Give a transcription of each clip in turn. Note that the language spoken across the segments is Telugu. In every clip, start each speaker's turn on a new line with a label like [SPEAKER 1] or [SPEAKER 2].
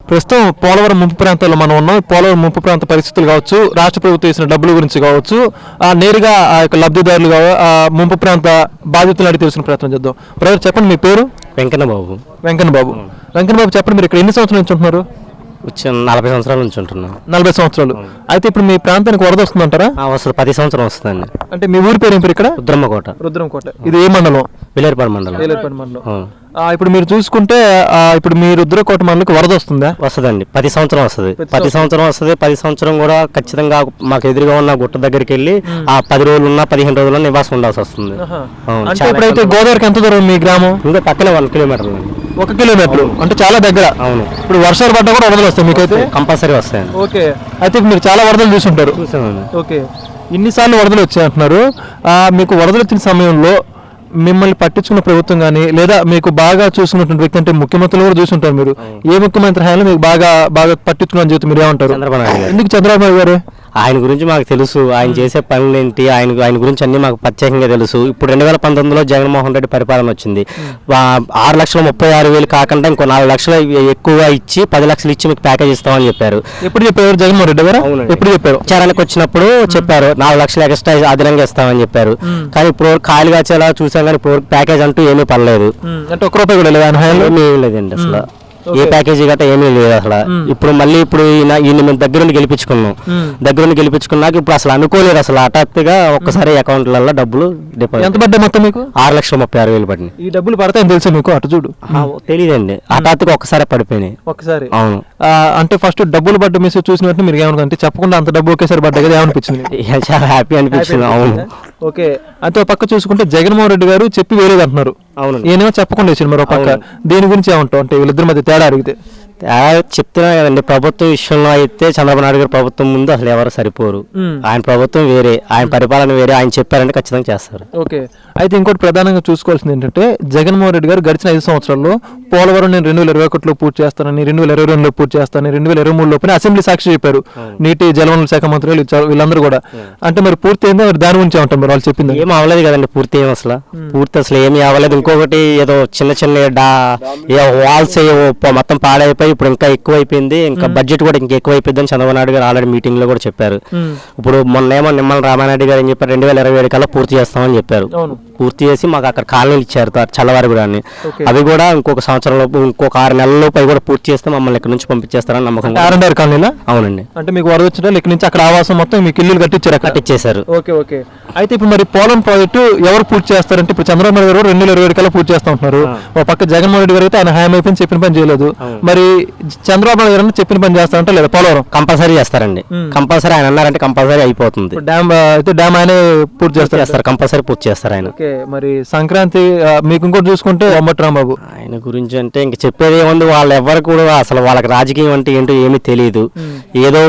[SPEAKER 1] ప్రస్తుతం పోలవరం ముంపు ప్రాంతాల్లో మనం ఉన్నాం. పోలవరం ముంపు ప్రాంత పరిస్థితులు కావచ్చు, రాష్ట్ర ప్రభుత్వం ఇచ్చిన డబ్బుల గురించి కావచ్చు, నేరుగా ఆ యొక్క లబ్ధిదారులు ముంపు ప్రాంత బాధితులు అడిగి తెలిసిన ప్రయత్నం చేద్దాం. బ్రదర్ చెప్పండి, మీ పేరు?
[SPEAKER 2] వెంకన్న బాబు.
[SPEAKER 1] వెంకన్న బాబు చెప్పండి, మీరు ఇక్కడ ఎన్ని సంవత్సరాల నుంచి ఉంటున్నారు?
[SPEAKER 2] వచ్చి 40 సంవత్సరాల నుంచి ఉంటున్నాను.
[SPEAKER 1] 40 సంవత్సరాలు. అయితే ఇప్పుడు మీ ప్రాంతానికి వరద వస్తుందంటారా?
[SPEAKER 2] వస్తుంది, 10 సంవత్సరం వస్తుందండి.
[SPEAKER 1] అంటే మీ ఊరి పేరు ఏం పేరు ఇక్కడ?
[SPEAKER 2] రుద్రమ్మకోట.
[SPEAKER 1] ఇది ఏ మండలం?
[SPEAKER 2] వేలేరుపాడు మండలం.
[SPEAKER 1] ఇప్పుడు మీరు చూసుకుంటే ఇప్పుడు మీ రుద్రకోట మండలికి వరద వస్తుందా?
[SPEAKER 2] వస్తుందండి, 10 సంవత్సరం వస్తుంది. 10 సంవత్సరం వస్తుంది. 10 సంవత్సరం కూడా ఖచ్చితంగా మాకు ఎదురుగా ఉన్న గుట్ట దగ్గరికి వెళ్ళి ఆ 10 రోజులు ఉన్నా 15 రోజుల్లో నివాసం ఉండాల్సి వస్తుంది.
[SPEAKER 1] ఇప్పుడైతే గోదావరికి ఎంత దూరం మీ గ్రామం?
[SPEAKER 2] ఇంకా పక్కనే 1 కిలోమీటర్లు.
[SPEAKER 1] 1 కిలోమీటర్ అంటే చాలా దగ్గర.
[SPEAKER 2] అవును.
[SPEAKER 1] ఇప్పుడు వర్షాలు పడ్డా కూడా వరదలు వస్తాయి మీకైతే?
[SPEAKER 2] కంపల్సరీ వస్తాయండి.
[SPEAKER 1] ఓకే. అయితే మీరు చాలా వరదలు చూసుంటారు.
[SPEAKER 2] చూసామండి.
[SPEAKER 1] ఓకే. ఇన్నిసార్లు వరదలు వచ్చాయి అంటున్నారు. మీకు వరదలు వచ్చిన సమయంలో మిమ్మల్ని పట్టించుకున్న ప్రభుత్వం కానీ, లేదా మీకు బాగా చూసుకున్నటువంటి వ్యక్తి, అంటే ముఖ్యమంత్రులు కూడా చూసుంటారు మీరు, ఏ ముఖ్యమంత్రి హయాంలో మీకు బాగా చెబుతూ మీరు ఏమంటారు?
[SPEAKER 2] చంద్రబాబు నాయుడు.
[SPEAKER 1] ఎందుకు చంద్రబాబు గారు?
[SPEAKER 2] ఆయన గురించి మాకు తెలుసు, ఆయన చేసే పనులు ఏంటి, ఆయన గురించి అన్ని మాకు ప్రత్యేకంగా తెలుసు. ఇప్పుడు 2019లో జగన్మోహన్ రెడ్డి పరిపాలన వచ్చింది. 6,36,000 కాకుండా ఇంకో 4 లక్షలు ఎక్కువ ఇచ్చి 10 లక్షలు ఇచ్చి మీకు ప్యాకేజ్ ఇస్తామని చెప్పారు.
[SPEAKER 1] ఎప్పుడు చెప్పారు జగన్మోహన్ రెడ్డి గారు? ఎప్పుడు చెప్పారు?
[SPEAKER 2] ప్రచారానికి వచ్చినప్పుడు చెప్పారు 4 లక్షలు ఎక్స్ట్రా అదనంగా ఇస్తామని చెప్పారు. కానీ ఇప్పుడు ఖాళీగా వచ్చేలా చూసాం, కానీ ఇప్పుడు ప్యాకేజ్ అంటూ ఏమీ పడలేదు.
[SPEAKER 1] అంటే 1 రూపాయి కూడా లేదు ఆయన హయాంలో?
[SPEAKER 2] ఏమీ లేదండి అసలు. ఏ ప్యాకేజీ గట్రా ఏమీ లేదు అసలు. ఇప్పుడు మళ్ళీ ఈయన మేము దగ్గరుండి గెలిపించుకున్నాక ఇప్పుడు అసలు అనుకోలేదు. అసలు హఠాత్తుగా ఒక్కసారి అకౌంట్లలో డబ్బులు డిపాజిట్.
[SPEAKER 1] ఎంత పడ్డాయి మొత్తం మీకు?
[SPEAKER 2] 6,36,000 పడినాయి.
[SPEAKER 1] ఈ డబ్బులు పడతాయని తెలుసు మీకు? అటు చూడు.
[SPEAKER 2] తెలియదండి, హఠాత్తుగా ఒక్కసారి పడిపోయినాయి.
[SPEAKER 1] ఒకసారి?
[SPEAKER 2] అవును.
[SPEAKER 1] అంటే ఫస్ట్ డబ్బులు పడ్డ మెసేజ్ చూసిన వెంటనే మీరు ఏమనుకుంటే, చెప్పకుండా అంత డబ్బు ఒకేసారి పడ్డా కదా, ఏమనిపించింది?
[SPEAKER 2] చాలా హ్యాపీ అనిపించింది. అవును.
[SPEAKER 1] ఓకే. అంటే పక్క చూసుకుంటే జగన్మోహన్ రెడ్డి గారు చెప్పి వేరేది అంటున్నారు.
[SPEAKER 2] అవును.
[SPEAKER 1] ఏమో చెప్పకుండా వేసారు మరో పక్క. దీని గురించి ఏమంటావు? అంటే వీళ్ళిద్దరి మధ్య తేడా అడిగితే
[SPEAKER 2] చెప్తున్నా కదండి, ప్రభుత్వం విషయంలో అయితే చంద్రబాబు నాయుడు గారి ప్రభుత్వం ముందు అసలు ఎవరు సరిపోరు. ఆయన ప్రభుత్వం వేరే, ఆయన పరిపాలన వేరే. ఆయన చెప్పారంటే ఖచ్చితంగా చేస్తారు.
[SPEAKER 1] ఓకే. అయితే ఇంకోటి ప్రధానంగా చూసుకోవాల్సింది ఏంటంటే, జగన్మోహన్ రెడ్డి గారు గడిచిన 5 సంవత్సరాల్లో పోలవరం నేను 2021లో పూర్తి చేస్తానని, 2022లో పూర్తి చేస్తానని, 2023 లోపల అసెంబ్లీ సాక్షి చెప్పారు. నీటి జలవనరుల శాఖ మంత్రులు వీళ్ళందరూ కూడా. అంటే మరి పూర్తి అయిందా? మరి దాని గురించి ఏమంటారు మరి? వాళ్ళు చెప్పింది
[SPEAKER 2] ఏం అవ్వలేదు కదండి, పూర్తి అసలు ఏమీ అవ్వలేదు. ఇంకొకటి ఏదో చిన్న వాల్స్ మొత్తం పాడైపోయి ఇప్పుడు ఇంకా ఎక్కువ అయిపోయింది. ఇంకా బడ్జెట్ కూడా ఇంకా ఎక్కువ అయిపోయింది అని చంద్రబాబు నాయుడు గారు ఆల్రెడీ మీటింగ్ లో కూడా చెప్పారు. ఇప్పుడు మొన్నేమో నిమ్మల రామారెడ్డి గారు ఏం చెప్పారు, 2027 కల్లా పూర్తి చేస్తామని చెప్పారు. పూర్తి చేసి మాకు అక్కడ కాలనీలు ఇచ్చారు, చల్లవారి కూడా. అవి కూడా ఇంకొక సంవత్సరంలో, ఇంకొక 6 నెలల లోపు కూడా పూర్తి చేస్తే మమ్మల్ని ఇక్కడ నుంచి పంపించేస్తారని నమ్మకం.
[SPEAKER 1] కాలనీలా?
[SPEAKER 2] అవునండి.
[SPEAKER 1] అంటే మీకు వరద వచ్చిన ఇక్కడ నుంచి అక్కడ ఆవాసం మొత్తం మీకు ఇల్లు కట్టించేశారు. ఓకే. ఓకే. అయితే ఇప్పుడు మరి పోలవరం ప్రాజెక్టు ఎవరు పూర్తి చేస్తారంటే, ఇప్పుడు చంద్రబాబు నాయుడు గారు 2027 కల్లా పూర్తి చేస్తా ఉంటున్నారు. ఒక పక్క జగన్మోహన్ రెడ్డి గారు అయితే ఆయన హామీ అయిపోయింది, చెప్పిన పని చేయలేదు. మరి చంద్రబాబు నాయుడు గారు చెప్పిన పని చేస్తారంటే లేదా? పోలవరం
[SPEAKER 2] కంపల్సరీ చేస్తారండి. కంపల్సరీ ఆయన అన్నారంటే కంపల్సరీ అయిపోతుంది.
[SPEAKER 1] డ్యామ్ ఆయనే పూర్తి చేస్తారు.
[SPEAKER 2] కంపల్సరీ పూర్తి చేస్తారు ఆయన.
[SPEAKER 1] మరి సంక్రాంతి మీకు ఇంకోటి చూసుకుంటే బొమ్మటి రాంబాబు,
[SPEAKER 2] ఆయన గురించి అంటే ఇంక చెప్పేది ఏముంది, వాళ్ళు ఎవరు కూడా అసలు వాళ్ళకి రాజకీయం అంటే ఏంటో ఏమీ తెలియదు. ఏదో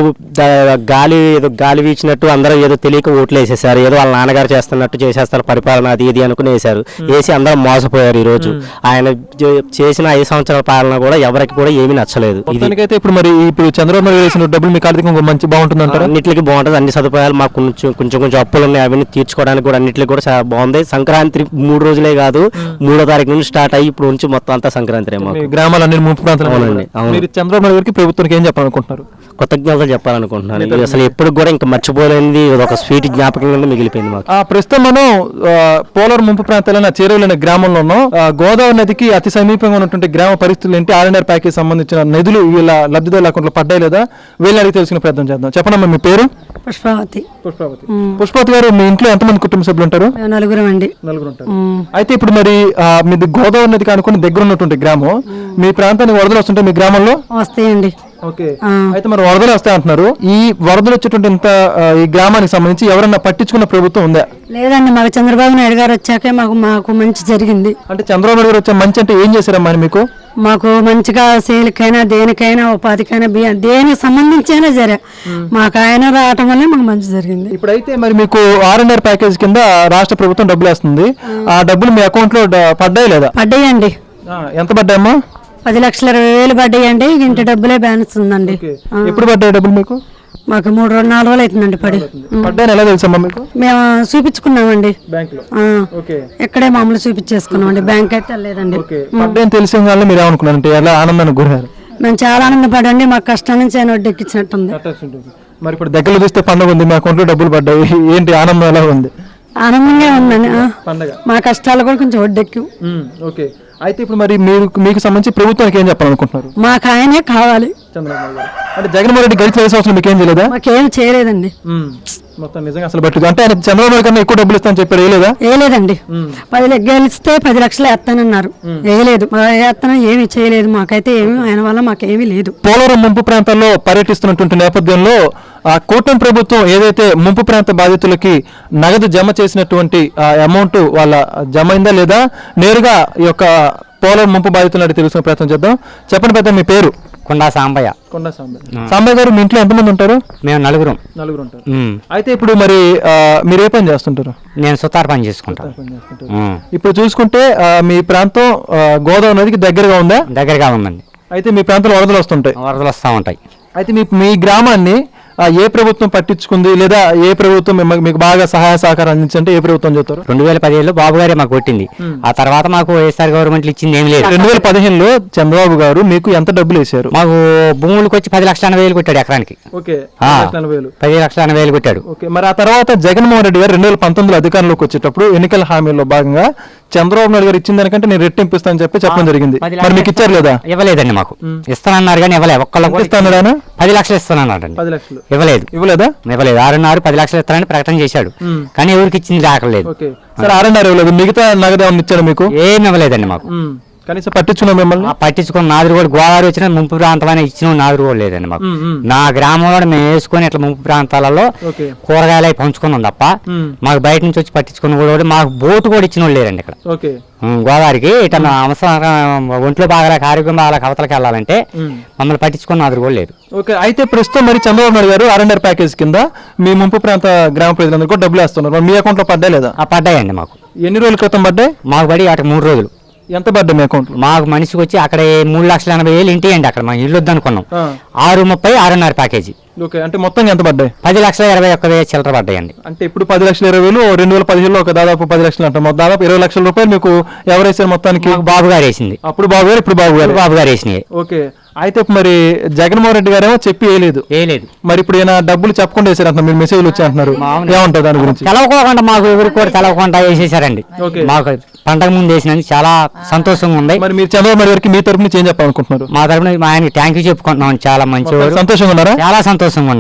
[SPEAKER 2] గాలి వీచినట్టు అందరూ ఏదో తెలియక ఓట్లు వేసేసారు. ఏదో వాళ్ళ నాన్నగారు చేస్తున్నట్టు చేసేస్తారు పరిపాలన, అది ఇది అనుకుని వేశారు. వేసి అందరూ మోసపోయారు. ఈ రోజు ఆయన చేసిన 5 సంవత్సరాల పాలన కూడా ఎవరికి కూడా ఏమీ నచ్చలేదు.
[SPEAKER 1] అయితే ఇప్పుడు మరి ఇప్పుడు చంద్రబాబు నాయుడు వేసిన డబ్బులు మీకు ఆర్థికంగా మంచి బాగుంటుంది అంటారు?
[SPEAKER 2] అన్నింటికి బాగుంటుంది, అన్ని సదుపాయాలు మాకు కొంచెం అప్పులు ఉన్నాయి, అవన్నీ తీర్చుకోవడానికి కూడా అన్నింటికి కూడా చాలా బాగుంది. సంక్రాంతి 3 రోజులే కాదు, 3వ తారీఖు నుంచి స్టార్ట్ అయ్యి ఇప్పుడు నుంచి మొత్తం అంతా సంక్రాంతి.
[SPEAKER 1] గ్రామాలన్నీ ముంపు ప్రాంతాలు.
[SPEAKER 2] అవునండి.
[SPEAKER 1] మీరు చంద్రబాబు నాయుడు గారికి ప్రభుత్వానికి ఏం చెప్పాలనుకుంటున్నారు?
[SPEAKER 2] కృతజ్ఞతలు చెప్పాలనుకుంటున్నాను. అసలు ఎప్పుడు కూడా ఇంకా మర్చిపోలేనిది ఒక స్వీట్ జ్ఞాపకం కింద మిగిలిపోయింది మాకు.
[SPEAKER 1] ప్రస్తుతం మనం పోలవరం ముంపు ప్రాంతాలైన చేరువలైన గ్రామంలో ఉన్నాం. గోదావరి నదికి అతి సమీపంగా ఉన్నటువంటి గ్రామ పరిస్థితులు ఏంటి, ఆర్ఎన్ఆర్ ప్యాకేజ్ సంబంధించిన నిధులు వీళ్ళ లబ్ధిదారుల అకౌంట్లో పడ్డాయి లేదా, వీళ్ళని అడిగి తెలుసుకునే ప్రయత్నం చేద్దాం. చెప్పండి, మీ పేరు? పుష్పావతి గారు, మీ ఇంట్లో ఎంతమంది కుటుంబ సభ్యులు ఉంటారు?
[SPEAKER 3] 4 అండి.
[SPEAKER 1] 4 ఉంటారు. అయితే ఇప్పుడు మరి మీది గోదావరి నదికి అనుకుని దగ్గర ఉన్నటువంటి గ్రామం, మీ ప్రాంతానికి వరదలు వస్తుంటే మీ గ్రామంలో
[SPEAKER 3] వస్తాయండి.
[SPEAKER 1] ఓకే. అయితే మరి వరదలు వస్తాయి అంటున్నారు. ఈ వరదలు వచ్చేటువంటి ఈ గ్రామానికి సంబంధించి ఎవరన్నా పట్టించుకున్న ప్రభుత్వం ఉందా?
[SPEAKER 3] లేదండి, మాకు చంద్రబాబు నాయుడు గారు వచ్చాకే మాకు మంచి జరిగింది.
[SPEAKER 1] అంటే చంద్రబాబు నాయుడు గారు వచ్చే మంచి అంటే ఏం చేశారమ్మా మీకు?
[SPEAKER 3] మాకు మంచిగా సేలికైనా దేనికైనా ఉపాధికైనా దేనికి సంబంధించైనా సరే మాకు ఆయన రావటం వల్లే మాకు మంచి జరిగింది.
[SPEAKER 1] ఇప్పుడైతే మరి మీకు ఆర్ఎన్ఆర్ ప్యాకేజ్ కింద రాష్ట్ర ప్రభుత్వం డబ్బులు వేస్తుంది. ఆ డబ్బులు మీ అకౌంట్ లో పడ్డాయి లేదా?
[SPEAKER 3] పడ్డాయండి.
[SPEAKER 1] ఎంత పడ్డాయమ్మా?
[SPEAKER 3] 10,20,000 పడ్డాయండి. ఇంటి డబ్బులే బ్యాలెన్స్ ఉందండి.
[SPEAKER 1] ఎప్పుడు పడ్డాయి డబ్బులు మీకు?
[SPEAKER 3] మాకు 3-4 రోజులు అవుతుందండి
[SPEAKER 1] పడ్డాయని. ఎలా తెలుసమ్మా మీకు?
[SPEAKER 3] మేము చూపించుకున్నామండి ఇక్కడే మామూలు చూపించేసుకున్నామండి, బ్యాంక్ అయితే లేదండి.
[SPEAKER 1] పడ్డాయని తెలిసిన వాళ్ళు మీరు ఏమనుకున్నారంటే ఎలా ఆనందానికి గురయ్యారు?
[SPEAKER 3] మేము చాలా ఆనందపడండి, మా కష్టం నుంచి ఆయన వడ్డెక్కించినట్టుంది.
[SPEAKER 1] మరి ఇప్పుడు దగ్గరలో చూస్తే పండుగ ఉంది, మా అకౌంట్లో డబ్బులు పడ్డాయి, ఏంటి ఆనందం ఎలా ఉంది?
[SPEAKER 3] ఆనందంగా ఉందండి.
[SPEAKER 1] పండగ
[SPEAKER 3] మా కష్టాలు కూడా కొంచెం వడ్డెక్కి.
[SPEAKER 1] ఓకే. అయితే ఇప్పుడు మరి మీకు సంబంధించి ప్రభుత్వానికి ఏం చెప్పాలనుకుంటున్నారు?
[SPEAKER 3] మాకు ఆయనే కావాలి.
[SPEAKER 1] చంద్రబాబు గారు అంటే జగన్మోహన్ రెడ్డి గడిచిన 5 సంవత్సరాలు మీకు ఏం చేయలేదా?
[SPEAKER 3] మాకేం చేయలేదండి.
[SPEAKER 1] మొత్తం నిజంగా అసలు బట్టి అంటే ఆయన చంద్రబాబు నాయుడు కన్నా ఎక్కువ డబ్బులు ఇస్తానని చెప్పారు, వేయలేదా?
[SPEAKER 3] వేయలేదండి. 10 గెలిస్తే 10 లక్షలు వేస్తానన్నారు, వేయలేదు. వేస్తాను ఏమి చేయలేదు, మాకైతే ఏమి ఆయన వల్ల మాకేమీ లేదు.
[SPEAKER 1] పోలవరం ముంపు ప్రాంతాల్లో పర్యటిస్తున్నటువంటి నేపథ్యంలో ఆ కూటమి ప్రభుత్వం ఏదైతే ముంపు ప్రాంత బాధితులకి నగదు జమ చేసినటువంటి అమౌంట్ వాళ్ళ జమ అయిందా లేదా, నేరుగా ఈ యొక్క పోలవరం ముంపు బాధితులను అడిగి తెలుసుకునే ప్రయత్నం చేద్దాం. చెప్పండి పెద్ద, మీ పేరు?
[SPEAKER 2] కొండా సాంబయ్య.
[SPEAKER 1] కొండా సాంబయ్య. సాంబయ్య గారు, మీ ఇంట్లో ఎంతమంది ఉంటారు?
[SPEAKER 2] మేము నలుగురు
[SPEAKER 1] ఉంటారు. అయితే ఇప్పుడు మరి మీరు ఏ పని చేస్తుంటారు?
[SPEAKER 2] నేను సుతార్ పని చేసుకుంటాను.
[SPEAKER 1] ఇప్పుడు చూసుకుంటే మీ ప్రాంతం గోదావరి నదికి దగ్గరగా ఉందా?
[SPEAKER 2] దగ్గరగా ఉందండి.
[SPEAKER 1] అయితే మీ ప్రాంతంలో వరదలు వస్తుంటాయి?
[SPEAKER 2] వరదలు వస్తూ ఉంటాయి.
[SPEAKER 1] అయితే మీ గ్రామాన్ని ఏ ప్రభుత్వం పట్టించుకుంది, లేదా ఏ ప్రభుత్వం మీకు బాగా సహాయ సహకారం అందించంటే ఏ ప్రభుత్వం చెప్తారు?
[SPEAKER 2] 2015లో బాబు గారే మాకు కొట్టింది. ఆ తర్వాత మాకు వైఎస్ఆర్ గవర్నమెంట్ ఇచ్చింది ఏమి లేదు.
[SPEAKER 1] 2015లో చంద్రబాబు గారు మీకు ఎంత డబ్బులు వేశారు?
[SPEAKER 2] మాకు భూములకు వచ్చి 10,80,000 కొట్టాడు ఎకరానికి. 10,80,000 కొట్టాడు.
[SPEAKER 1] మరి ఆ తర్వాత జగన్మోహన్ రెడ్డి గారు 2019లో అధికారంలోకి వచ్చేటప్పుడు ఎన్నికల హామీల్లో భాగంగా చంద్రబాబు నాయుడు గారు ఇచ్చిన దానికంటే నేను రెట్టింపు ఇస్తానని చెప్పడం జరిగింది. మరి మీకు ఇచ్చారు లేదా?
[SPEAKER 2] ఇవ్వలేదండి. మాకు ఇస్తానన్నారు కానీ ఇవ్వలేదు. ఒక్కళ్ళకి
[SPEAKER 1] ఇస్తాను
[SPEAKER 2] 10 లక్షలు ఇస్తానన్నాడు.
[SPEAKER 1] 10 లక్షలు
[SPEAKER 2] ఇవ్వలేదా?
[SPEAKER 1] 6.5
[SPEAKER 2] 10 లక్షలు ఇస్తారని ప్రకటన చేశాడు, కానీ ఎవరికి ఇచ్చింది రాకలేదు.
[SPEAKER 1] సరే, 6.5 ఇవ్వలేదు. మిగతా నగదు ఏమన్నా ఇచ్చాడు మీకు?
[SPEAKER 2] ఏమి ఇవ్వలేదండి. మాకు
[SPEAKER 1] కనీసం పట్టించుకున్నాం మిమ్మల్ని?
[SPEAKER 2] పట్టించుకున్న నాదురు కూడా గోదావరి వచ్చిన ముంపు ప్రాంతం ఇచ్చిన నాదురు కూడా లేదండి మాకు. నా గ్రామంలో మేము వేసుకొని ఇట్లా ముంపు ప్రాంతాలలో కూరగాయలు అవి పంచుకున్నాం తప్ప మాకు బయట నుంచి వచ్చి పట్టించుకున్న కూడా మాకు బోటు కూడా ఇచ్చిన వాళ్ళు లేరండి ఇక్కడ గోదావరికి. ఇట్లా అవసరం ఒంట్లో బాగా ఆరోగ్యం బాగా అవతలకి వెళ్ళాలంటే మమ్మల్ని పట్టించుకున్న నాదురు కూడా లేదు.
[SPEAKER 1] ఓకే. అయితే ప్రస్తుతం మరి చంద్రబాబు నాయుడు గారు ఆర్ఎండ్ఆర్ ప్యాకేజ్ కింద మీ ముంపు ప్రాంత గ్రామ ప్రజలందరూ కూడా డబ్బులు వేస్తున్నారు. మీ అకౌంట్ లో పడ్డా లేదా?
[SPEAKER 2] పడ్డాయండి. మాకు
[SPEAKER 1] ఎన్ని రోజుల క్రితం పడ్డాయి?
[SPEAKER 2] మాకు పడి అటు 3 రోజులు.
[SPEAKER 1] ఎంత పడ్డా మీ అకౌంట్? మాకు
[SPEAKER 2] మనిషికి వచ్చి అక్కడ 3,80,000 ఇంటి అండి. అక్కడ మాకు ఇల్లు వద్దనుకున్నాం. 6.30 6.5 ప్యాకేజీ.
[SPEAKER 1] ఓకే. అంటే మొత్తం ఎంత పడ్డాయి?
[SPEAKER 2] 10,21,000 చిల్లర పడ్డాయండి.
[SPEAKER 1] అంటే ఇప్పుడు 10,20,000 2015లో ఒక దాదాపు 10 లక్షలు అంటాం. దాదాపు 20 లక్షల రూపాయలు మీకు ఎవరు వేసారు మొత్తానికి?
[SPEAKER 2] బాబు గారు వేసింది.
[SPEAKER 1] అప్పుడు బాబు గారు, ఇప్పుడు బాబు గారు
[SPEAKER 2] వేసినాయి.
[SPEAKER 1] ఓకే. అయితే మరి జగన్మోహన్ రెడ్డి గారేమో చెప్పి వేయలేదు. మరి ఇప్పుడు ఈయన డబ్బులు చెప్పకుండా వేసారు అంటున్నారు, మీరు మెసేజ్లు వచ్చి అంటున్నారు, ఏమంటారు దాని గురించి?
[SPEAKER 2] తెలవకోకుండా మాకు ఎవరికి కూడా తెలవకుండా వేసేసారండి. మాకు పండగ ముందు వేసినందుకు చాలా సంతోషంగా ఉంది.
[SPEAKER 1] మరి మీరు చంద్రబాబు నాయుడు గారికి మీ తరపున ఏం చెప్పాలనుకుంటున్నారు?
[SPEAKER 2] మా తరపున ఆయనకి థ్యాంక్ యూ చెప్పుకుంటున్నాం. చాలా మంచి
[SPEAKER 1] సంతోషంగా ఉన్నారా?
[SPEAKER 2] చాలా సంతోషంగా ఉన్నారు.